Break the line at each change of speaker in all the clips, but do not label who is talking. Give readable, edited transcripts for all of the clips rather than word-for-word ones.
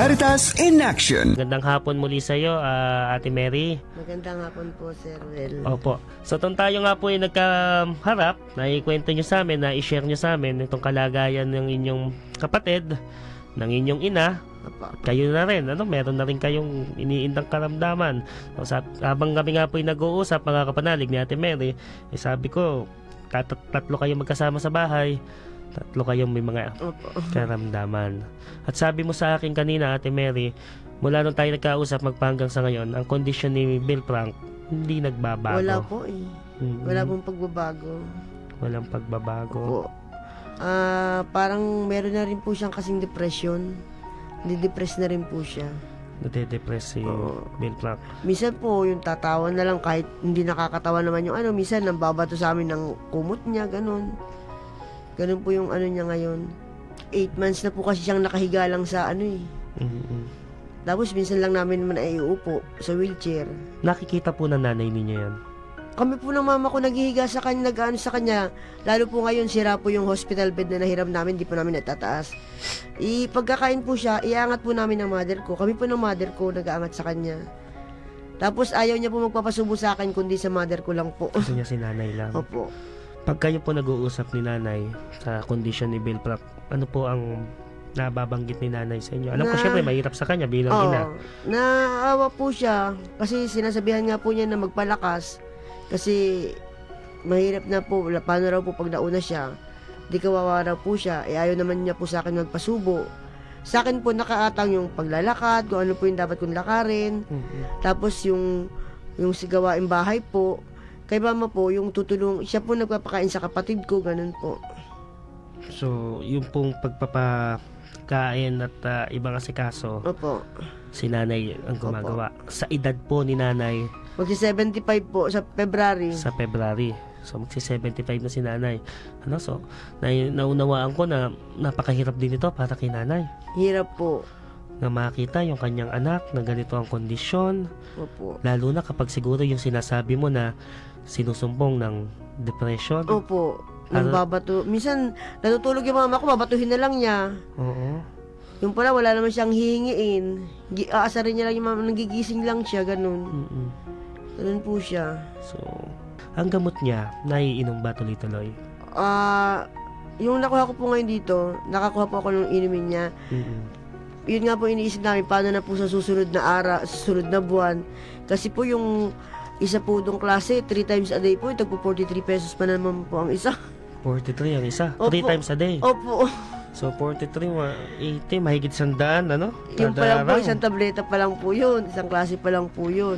Caritas in Action.
Magandang hapon muli sa iyo, Ate Mary.
Magandang hapon po, Sir Will.
Opo. So, tayo nga po ay nagkaharap, na ikwento nyo sa amin, na i-share nyo sa amin itong kalagayan ng inyong kapatid, ng inyong ina.
Opo.
Kayo na rin, meron na rin kayong iniindang karamdaman. So, habang kami nga po ay nag-uusap, mga kapanalig ni Ate Mary, sabi ko, tatlo kayo magkasama sa bahay, tatlo kayong may mga karamdaman. At sabi mo sa akin kanina, Ate Mary, mula nung tayo nagkausap magpahanggang sa ngayon, ang kondisyon ni Bill Frank hindi nagbabago.
Wala po eh. Wala pong pagbabago.
Walang pagbabago.
Opo. Parang meron na rin po siyang kasing depression. Nidepress na rin po siya.
Nade-depress si Bill Frank.
Minsan po, yung tatawa na lang kahit hindi nakakatawa naman yung minsan nambabato sa amin ng kumot niya, ganun. Ganun po yung niya ngayon. 8 months na po kasi siyang nakahiga lang sa Tapos minsan lang namin naman ay iupo sa wheelchair.
Nakikita po ng nanay ninyo yan?
Kami po ng mama ko naghihiga sa kanya, nag-ano sa kanya. Lalo po ngayon, sira po yung hospital bed na nahiram namin, di po namin natataas. Pagkakain po siya, iangat po namin ng mother ko. Kami po ng mother ko nag-aangat sa kanya. Tapos ayaw niya po magpapasubo sa akin, kundi sa mother ko lang po.
Gusto niya si nanay lang?
Opo.
Pag kayo po nag-uusap ni nanay sa kondisyon ni Bill Frank, ano po ang nababanggit ni nanay sa inyo? Alam ko syempre mahirap sa kanya bilang ina.
Naawa po siya kasi sinasabihan nga po niya na magpalakas kasi mahirap na po, paano raw po pag nauna siya, di kawawa raw po siya, ayaw naman niya po sa akin magpasubo. Sa akin po nakaatang yung paglalakad, kung ano po yung dapat kong lakarin, tapos yung sigawaing bahay po, kay mama po, yung tutulong, siya po nagpapakain sa kapatid ko, ganun po.
So, yung pong pagpapakain at ibang asikaso,
Opo.
si nanay ang gumagawa. Sa edad po ni nanay,
Magsi-75 po sa February.
sa February. So, magsi-75 na si nanay. So, naunawaan ko na napakahirap din ito para kay nanay.
Hirap po.
Na makita yung kanyang anak na ganito ang kondisyon.
Opo.
Lalo na kapag siguro yung sinasabi mo na sinusumbong ng depression.
Opo. Babato. Minsan, natutulog yung mama ko, babatuhin na lang niya.
Oo.
Yung pala, wala naman siyang hihingiin. Aasarin niya lang yung mama, nagigising lang siya, ganun. Ganun po siya.
So, ang gamot niya, naiinom ba tuloy-tuloy?
Yung nakuha ko po ngayon dito, nakakuha po ako ng inumin niya. Yun nga po iniisip namin, paano na po sa susunod na susunod na buwan. Kasi po yung isa po dong klase, 3 times a day po, tagpo 43 pesos pa naman po ang isa.
43 ang isa?
Opo.
3 times a day?
Opo.
So, 43, 80, mahigit 100, ano?
Yung pa lang po,
araw.
isang tableta pa lang po yun. Isang klase pa lang po yun.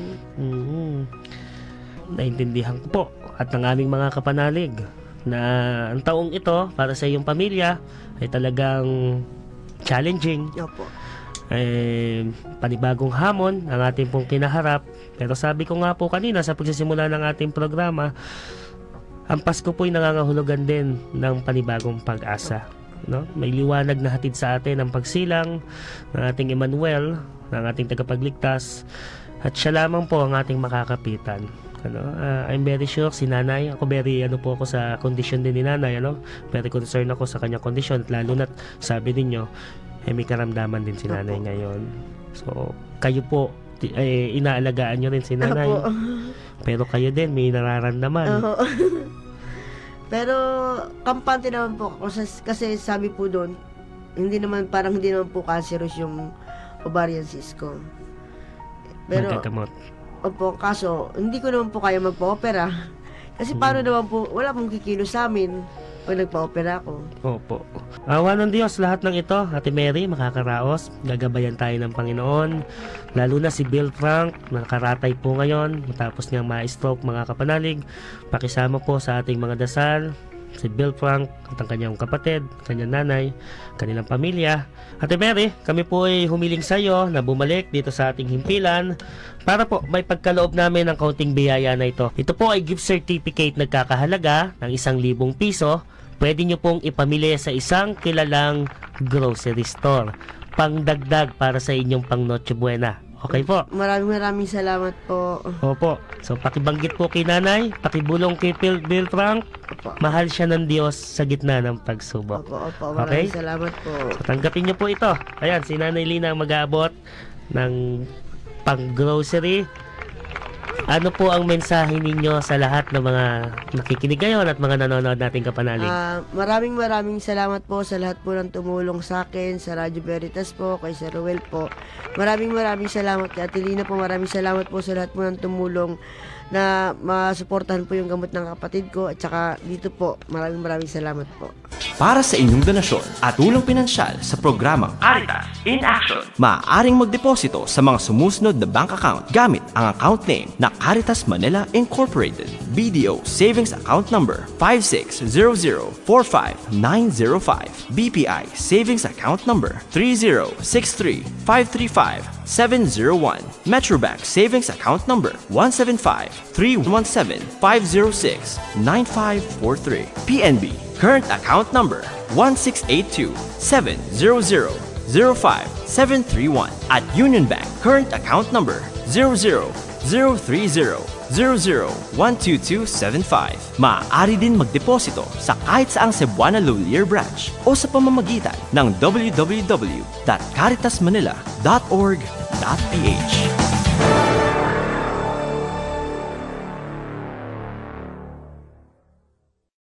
Naintindihan ko po at ng aming mga kapanalig na ang taong ito para sa iyong pamilya ay talagang challenging.
Opo.
Panibagong hamon ang ating pong kinaharap. Pero sabi ko nga po kanina sa pagsisimula ng ating programa, ang Pasko po ay nangangahulugan din ng panibagong pag-asa. May liwanag na hatid sa atin ang pagsilang ng ating Emmanuel, ng ating tagapagligtas, at siya lamang po ang ating makakapitan. I'm very sure si nanay, ako very po ako sa kondisyon din ni nanay, very concerned ako sa kanyang kondisyon, lalo na sabi ninyo may karamdaman din si nanay ngayon. So kayo po inaalagaan nyo rin si nanay. Pero kayo din may nararamdaman.
Pero kampante naman po ako kasi sabi po doon, hindi naman po cancerous yung ovarian cyst ko. Pero
Magkagamot.
opo, kaso hindi ko naman po kaya magpa-opera. Kasi paano naman po, wala pong kikilo sa amin pag nagpa-opera ako.
Opo. Awa ng Diyos, lahat ng ito, Ate Mary, makakaraos. Gagabayan tayo ng Panginoon. Lalo na si Bill Frank, nakaratay po ngayon. Matapos niyang ma-stroke, mga kapanalig. Pakisama po sa ating mga dasal si Bill Frank at ang kanyang kapatid, kanyang nanay, kanilang pamilya. Ate Mary, kami po ay humiling sa iyo na bumalik dito sa ating himpilan para po may pagkaloob namin ng kaunting biyaya na ito. Ito po ay gift certificate nagkakahalaga ng 1,000 piso. Pwede nyo pong ipamili sa isang kilalang grocery store. Pangdagdag para sa inyong pang Noche Buena Okay po.
Maraming salamat po.
Opo. So, pakibanggit po kay nanay, pakibulong kay Bill Frank,
Opo.
mahal siya ng Diyos sa gitna ng pagsubok.
Opo,
Okay?
maraming salamat po.
So, tanggapin niyo po ito. Ayan, si Nanay Lina ang mag-aabot ng pang-grocery. Ano po ang mensahe ninyo sa lahat ng mga nakikinig ngayon at mga nanonood nating kapanalig?
Maraming salamat po sa lahat po ng tumulong sa akin, sa Radyo Veritas po, kay Sir Ruel po. Maraming salamat kay Ate Lina po. Maraming salamat po sa lahat po ng tumulong na masuportahan po yung gamot ng kapatid ko. At saka dito po, maraming salamat po.
Para sa inyong donasyon at tulong pinansyal sa programang Caritas in Action, maaaring magdeposito sa mga sumusunod na bank account gamit ang account name na Caritas Manila Incorporated. BDO Savings Account Number 560045905. BPI Savings Account Number 3063535-701. Metrobank Savings Account Number 1753175069543. PNB Current Account Number 16827000571. At Union Bank Current Account Number 000300012275. Maaari din magdeposito sa kahit saang Cebuana Lolier branch o sa pamamagitan ng www.caritasmanila.org.ph.